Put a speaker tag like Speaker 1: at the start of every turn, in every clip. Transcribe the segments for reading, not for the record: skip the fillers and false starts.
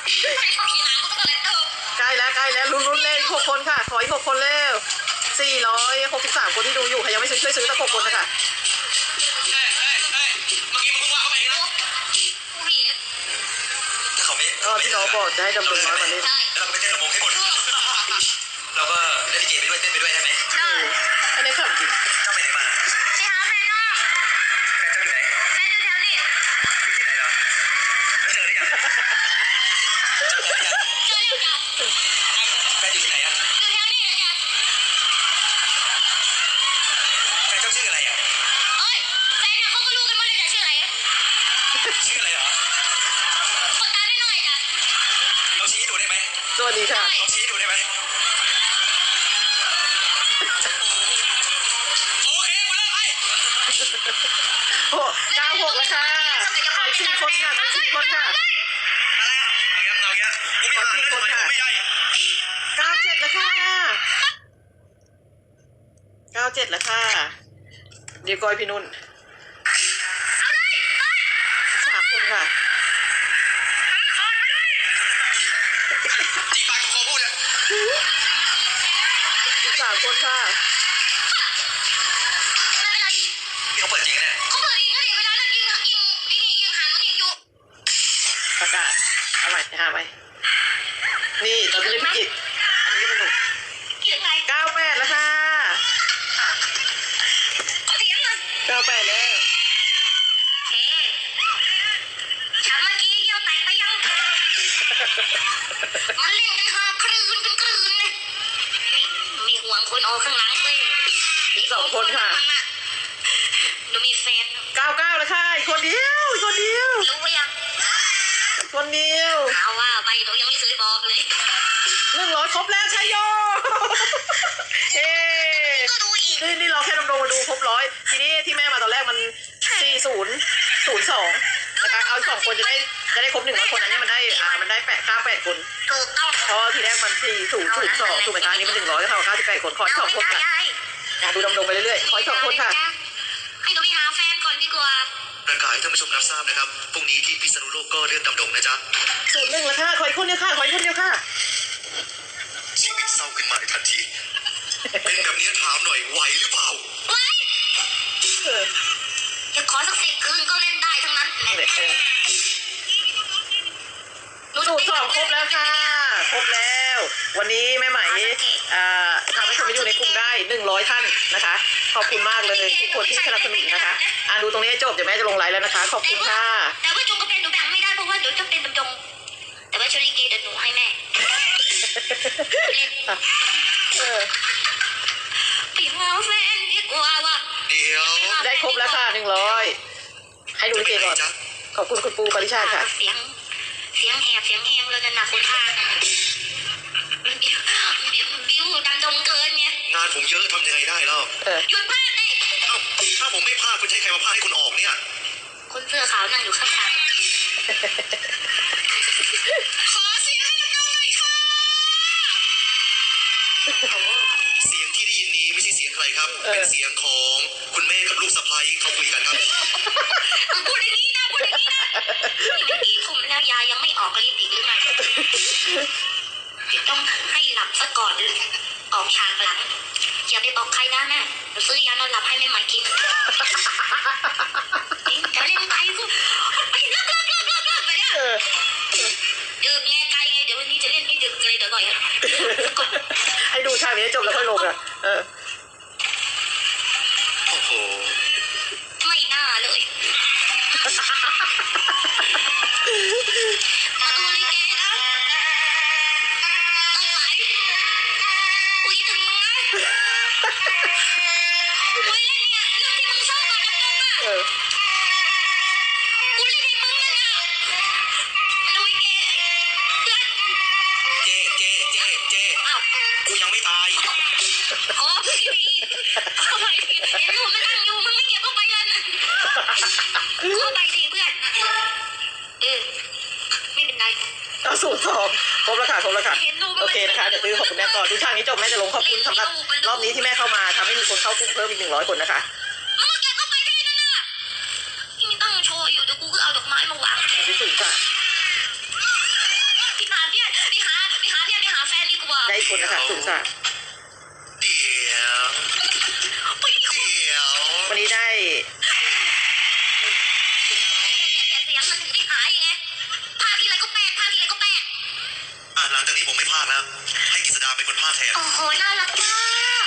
Speaker 1: ใกล้แล้วลุ้นๆเลย6 คนค่ะขออีก6 คนเร็ว463 คนที่ดูอยู่ใครยังไม่ซื้อช่วยซื้อสัก6 คนนะคะ
Speaker 2: เมื่อกี้มึงเพิ่งว่าเขาไปนะถ้าเขาไม่
Speaker 1: ที่น้องบอกจะให้ดำรงน้อยมาเล่น
Speaker 2: เราก็ไปเต้นระบงให้หมดเราก็เล่นลิเกไปด้วยเต้นไปด้วยใช่ไหม
Speaker 1: อันนี้ขำจริง
Speaker 2: เจ้าไปไหนมาไปหาแฟนนอกแฟนเจ้าอยู่ไหนแฟนอยู่แถวนี้อยู่ที่ไหนเหรอแล้วเจอหรือยังเจอหรือยังจ้ะแฟนอยู่ที่ไหนอ่ะอยู่แถวนี้จ้ะแฟนเจ้าชื่ออะไรอ่ะเอ้ยแฟนน่ะเขาก็รู้กันหมดเลยจ้ะชื่ออะไรชื่ออะไรเหรอคนตาหน่อยจ้ะเราชี้ให้ดูได้ไหม
Speaker 1: สวัสดีค่ะ
Speaker 2: เราชี้ให้ดูได้ไหม
Speaker 1: 96แล้วค่ะขออีก4 คนค่ะขออีก4 คนค่ะ
Speaker 2: อะไรอ่ะเอาเงี้ยผมไม่อ่านแล้วทำไมผมไม่ใหญ่
Speaker 1: 97แล้วค่ะ97แล้วค่ะเดี๋ยวก้อยพี่นุ่น3 คนค่ะ
Speaker 2: จีบปากขอพูดอ่ะ
Speaker 1: อีก3 คนค่ะ
Speaker 2: นี่เขาเปิดจริงเนี่ยเขาเปิดจริงก็เดี๋ยวเวลานั้นยิงหันมันยิงอยู่
Speaker 1: ประกาศเอาใหม่หาไหมนี่ตอนนี้พี่กิจอันนี้ก็เป็นหนุ่ม98แล้วค่ะ98แล้ว
Speaker 2: ฉันเมื่อกี้เยี่ยวแตกไปยังมันเล่นกันหาคลื่นเลยนี่มีห่วงคนออกข้างหลังเลย
Speaker 1: อีก2 คนค่ะ
Speaker 2: หนูมีแฟน
Speaker 1: 99แล้วค่ะอีกคนเดียว
Speaker 2: รู้ว่ายัง
Speaker 1: คนเดียว
Speaker 2: ถามว่าไปหนูยังไม่เคยบอกเลย
Speaker 1: 100 ครบแล้วชัยโยเฮ้นี่เราแค่ดำรงมาดูครบ100ทีนี้ที่แม่มาตอนแรกมัน4002นะคะเอา2 คนจะได้ครบ100 คนอันนี้มันได้98 คน
Speaker 2: ถูกต้อง
Speaker 1: เพราะทีแรกมัน4002ถูกไหมคะอันนี้มัน100ก็เท่ากับ98 คนขออีก2 คนค่ะดูดำรงไปเรื่อยๆขออีก2 คนค่ะ
Speaker 2: ให้หนูไปหาแฟนก่อนดีกว่าประกาศให้ท่านผู้ชมรับทราบนะครับพรุ่งนี้ที่พิษณุโลกก็เรื่องดำดงนะจ๊ะ
Speaker 1: 01แล้วค่ะขออีกคนเดียวค่ะ
Speaker 2: ชีวิตเศร้าขึ้นมาในทันทีเป็นแบบนี้ถามหน่อยไหวหรือเปล่าไหวจะขอสัก10 คืนก็เล่นได้ทั้งนั้น
Speaker 1: สูตร2 ครบแล้วค่ะครบแล้ววันนี้แม่ไหมทำให้คนที่อยู่ในกลุ่มได้100 ท่านนะคะขอบคุณมากเลยทุกคนที่สนับสนุนนะคะดูตรงนี้ให้จบเดี๋ยวแม่จะลงไลน์แล้วนะคะขอบคุณค่ะ
Speaker 2: แต่ว่าจงกระเบนหนูแบ่งไม่ได้เพราะว่าเดี๋ยวจะเป็นดำดงแต่ว่าชลิเกเดี๋ยวหนูให้แม่เล่นไปหาแฟนดีกว่าว่ะเดี๋ยว
Speaker 1: ได้ครบแล้วค่ะ100ให้ดูลิเกก่อนขอบคุณคุณปูปริชาติค่ะ
Speaker 2: เสียงแหบเสียงแหมเลยนะคนพาบิวดำดงเกินเนี่ยงานผมเยอะทำยังไงได้แล้วหยุดพลาดเลยถ้าผมไม่พลาดคุณใช้ใครมาพลาดให้คุณออกเนี่ยคนเสื้อขาวนั่งอยู่ข้างๆขอเสียงให้ดำดงหน่อยค่ะเสียงที่ได้ยินนี้ไม่ใช่เสียงใครครับเป็นเสียงของคุณแม่กับลูกสะใภ้เขาคุยกันครับพูดอย่างนี้นะนี่มันกี่ทุ่มแล้วยายังไม่ออกฤทธิ์อีกหรือไงต้องให้หลับซะก่อนออกฉากหลังอย่าไปบอกใครนะแม่ซื้อยานอนหลับให้แม่ใหม่กินจะเล่นไปก็ไปเลิกไปเนี่ยดึกไงไกลไงเดี๋ยววันนี้จะเล่นให้ดึกเลยเดี๋ยวหน่อย
Speaker 1: ให้ดูฉากนี้จบแล้วค่อยลงอ่ะ
Speaker 2: โอ้โหไม่น่าเลยมาดูลิเกนะต้องไหวคุยถึงมึงนะคุยเล่นเนี่ยเรื่องที่มึงชอบมาดำดงอ่ะกูเล่นให้มึงเลยนะดูลิเกเพื่อนเจ๊อ้าวกูยังไม่ตายอ๋อพี่บีเอาไปเห็นรูปมันนั่งอยู่มึงไม่เก็บเข้าไปแล้วนะเข้าไปสิเพื่อนไม่เป็นไร
Speaker 1: สูตร2 ครบแล้วค่ะโอเคนะคะเดี๋ยวซื้อขอบคุณแม่ก่อนดูฉากนี้จบแม่จะลงขอบคุณสำหรับรอบนี้ที่แม่เข้ามาทำให้มีคนเข้ากลุ่มเพิ่มอีก100 คนนะคะ
Speaker 2: แกก็ไปได้นั่นน่ะที่มีตั้งโชว์อยู่เดี๋ยวกูก็เอาดอกไม้มาวาง
Speaker 1: ที่สุดค่ะ
Speaker 2: ปิด
Speaker 1: คนนะคะสุขสันต์
Speaker 2: เดี๋ยว
Speaker 1: วันนี้ได้
Speaker 3: เสียงมันถึงได้หายไงภาคทีไรก็แปลกภาคทีไรก็แปลก
Speaker 2: หลังจากนี้ผมไม่พากแล้วให้กิษดาเป็นคนพากแทน
Speaker 3: โอ้โหน่ารักมาก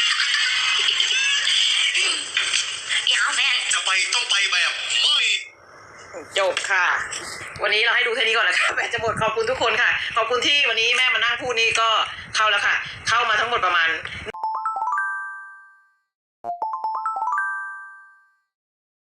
Speaker 3: เดี๋ยวแฟน
Speaker 2: จะไปต้องไปแบบไม่
Speaker 1: จบค่ะ วันนี้เราให้ดูแค่นี้ก่อนนะคะแบตจะหมดขอบคุณทุกคนค่ะ ขอบคุณที่วันนี้แม่มานั่งพูดนี่ก็เข้าแล้วค่ะ เข้ามาทั้งหมดประมาณ